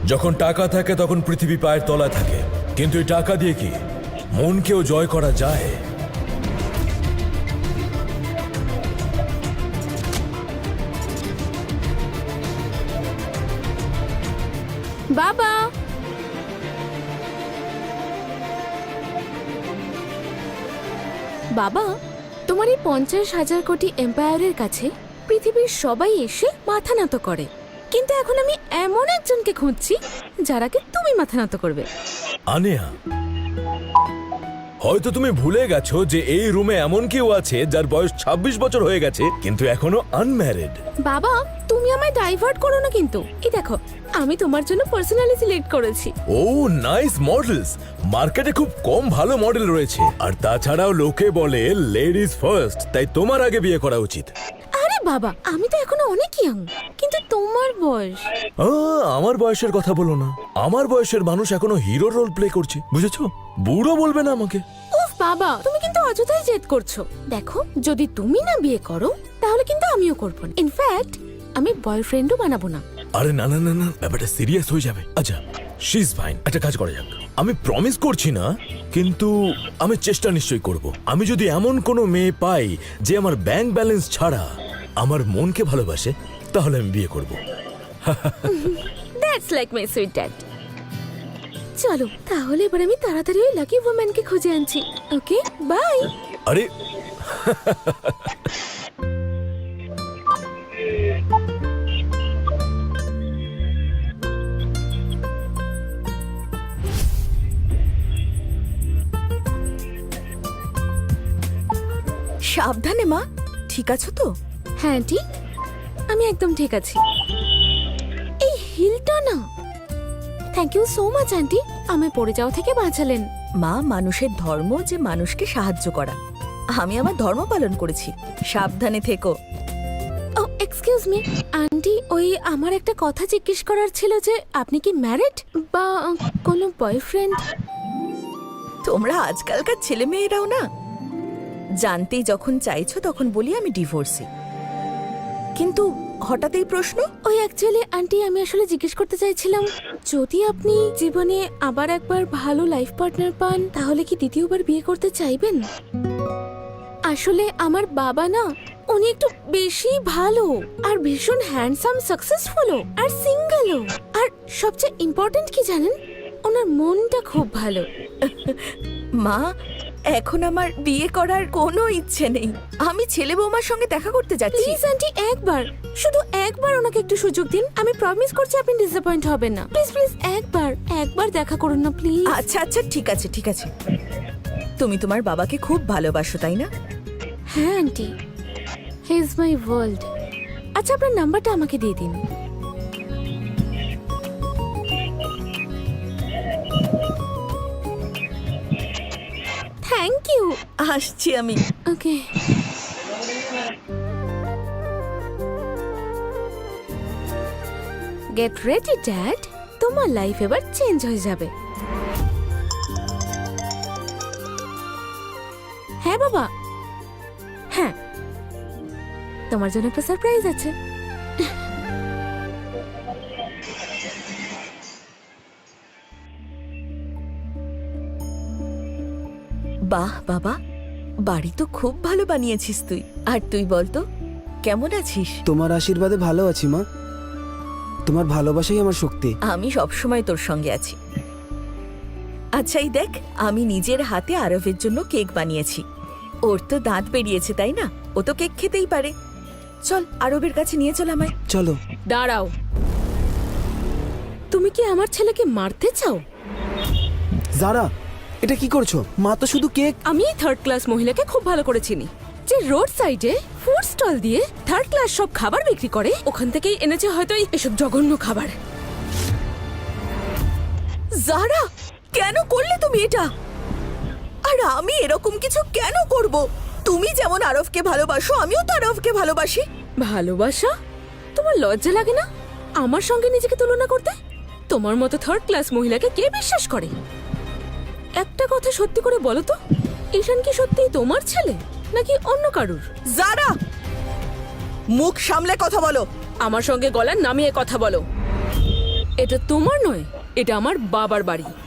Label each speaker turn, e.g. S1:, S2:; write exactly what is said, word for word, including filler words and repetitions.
S1: যখন টাকা থাকে তখন পৃথিবী পায়ের তলায় থাকে, কিন্তু এই টাকা দিয়ে কি মনকেও জয় করা যায়?
S2: বাবা, বাবা, তোমার এই পঞ্চাশ হাজার কোটি এম্পায়ারের কাছে পৃথিবীর সবাই এসে মাথা নত করে, কিন্তু এখন আমি এমন একজনকে খুঁজছি যারাকে তুমি মাথা নত করবে।
S1: আনিয়া, হয়তো তুমি ভুলে গেছো যে এই রুমে এমন কেউ আছে যার বয়স ছাব্বিশ বছর হয়ে গেছে কিন্তু এখনো আনম্যারিড।
S2: বাবা, তুমি আমায় ডাইভার্ট করো না কিন্তু। এই দেখো, আমি তোমার জন্য পার্সোনালি সিলেক্ট করেছি।
S1: Oh nice models. মার্কেটে খুব কম ভালো মডেল রয়েছে, আর তাছাড়াও লোকে বলে লেডিজ ফার্স্ট, তাই তোমার আগে বিয়ে করা উচিত।
S2: আরে বাবা, আমি তো এখনো অনেক ইয়াং, কিন্তু তোমার বয়স।
S1: আহ, আমার বয়সের কথা বলো না। আমার বয়সের মানুষ এখনো হিরো রোল প্লে করছে, বুঝেছো? বুড়ো বলবে না আমাকে।
S2: উফ বাবা, তুমি কিন্তু অযথাই জেদ করছো। দেখো, যদি তুমি না বিয়ে করো তাহলে কিন্তু আমিও করব না। ইনফ্যাক্ট আমি বয়ফ্রেন্ডও বানাবো না।
S1: আরে না না না না, ব্যাপারটা সিরিয়াস হয়ে যাবে। আচ্ছা, শি ইজ ফাইন। একটা কাজ করা যাক। আমি প্রমিস করছি না, কিন্তু আমি চেষ্টা নিশ্চয়ই করব। আমি যদি এমন কোনো মেয়ে পাই যে আমার ব্যাংক ব্যালেন্স ছাড়া আমার মনকে ভালোবাসে, তাহলে আমি বিয়ে করব।
S2: That's like my sweet dad. চলো তাহলে এবার আমি তাড়াতাড়ি ওই লাকি ওম্যানকে খুঁজে আনছি। Okay, bye.
S1: আরে
S3: সাবধানে মা, ঠিক আছো তো?
S2: হ্যাঁ আন্টি, আমি একদম ঠিক আছি। এই হিলটা না, thank you so much aunty, আমায় পড়ে যাওয়া থেকে বাঁচালেন।
S3: মা, মানুষের ধর্ম যে মানুষকে সাহায্য করা। আমি আমার ধর্ম পালন করেছি। সাবধানে থেকো।
S2: ও এক্সকিউজ মি আন্টি, ওই আমার একটা কথা জিজ্ঞেস করার ছিল যে আপনি কি ম্যারিড বা কোনো বয়ফ্রেন্ড?
S3: তোমরা আজকালকার ছেলে মেয়েরাও না, জানতেই যখন চাইছো তখন বলি আমি ডিভোর্সি, কিন্তু হঠাৎ এই প্রশ্ন।
S2: ওই অ্যাকচুয়ালি আন্টি, আমি আসলে জিজ্ঞেস করতে চাইছিলাম, যদি আপনি জীবনে আবার একবার ভালো লাইফ পার্টনার পান তাহলে কি দ্বিতীয়বার বিয়ে করতে চাইবেন? আসলে আমার বাবা না, উনি একটু বেশি ভালো আর ভীষণ হ্যান্ডসাম, সাকসেসফুলও আর সিঙ্গেলও, আর সবচেয়ে ইম্পর্টেন্ট কি জানেন, ওনার মনটা খুব ভালো।
S3: মা, এখন আমার বিয়ে করার কোনো ইচ্ছে নেই। আমি ছেলে বৌমার সঙ্গে দেখা করতে যাচ্ছি।
S2: প্লিজ আন্টি, একবার, শুধু একবার ওনাকে একটু সুযোগ দিন। আমি প্রমিস করছি আপনি ডিসঅ্যাপয়েন্ট হবেন না। প্লিজ প্লিজ একবার, একবার দেখা করুন না প্লিজ।
S3: আচ্ছা আচ্ছা, ঠিক আছে ঠিক আছে। তুমি তোমার বাবাকে খুব ভালোবাসো, তাই না?
S2: হ্যাঁ aunty, he is my world. আচ্ছা, আপনার নাম্বারটা আমাকে দিয়ে দিন। Thank you.
S3: আসছি আমি।
S2: ওকে। গেট রেডি ড্যাড, তোমার লাইফ এবার চেঞ্জ হয়ে যাবে। হ্যাঁ বাবা, হ্যাঁ, তোমার জন্য একটা সারপ্রাইজ আছে।
S3: বাহ বাবা, বাড়ি তো খুব ভালো বানিয়েছিস তুই। আর তুই বলতো, কেমন আছিস?
S4: তোমার আশীর্বাদে ভালো আছি মা। তোমার ভালোবাসাই আমার শক্তি।
S3: আমি সবসময় তোর সঙ্গে আছি। আচ্ছা, এই দেখ, আমি নিজের হাতে আরবের জন্য কেক বানিয়েছি। ওর তো দাঁত বেরিয়েছে, তাই না? ও তো কেক খেতেই পারে। চল, আরবের কাছে নিয়ে চল আমায়।
S4: চলো।
S2: দাঁড়াও, তুমি কি আমার ছেলেকে মারতে চাও?
S4: যারা, এটা কি করছো? মা তো শুধু কেক।
S2: আমি থার্ড ক্লাস মহিলাকে খুব ভালো করে চিনি, যে রোড সাইডে ফুড স্টল দিয়ে থার্ড ক্লাস সব খাবার বিক্রি করে। ওখান থেকেই এনেছে হয়তো এসব জঘন্য খাবার।
S3: যারা, কেন করলে তুমি এটা? আর আমি এরকম কিছু কেন করব? তুমি যেমন আরবকে ভালোবাসো, আমিও তো আরবকে ভালোবাসি।
S2: ভালোবাসা? তোমার লজ্জা লাগে না আমার সঙ্গে নিজেকে তুলনা করতে? তোমার মতো থার্ড ক্লাস মহিলাকে কে বিশ্বাস করে? একটা কথা সত্যি করে বলো তো, ঈশান কি সত্যিই তোমার ছেলে নাকি অন্য কারুর?
S3: যারা, মুখ সামলে কথা বলো।
S2: আমার সঙ্গে গলা নামিয়ে কথা বলো। এটা তোমার নয়, এটা আমার বাবার বাড়ি।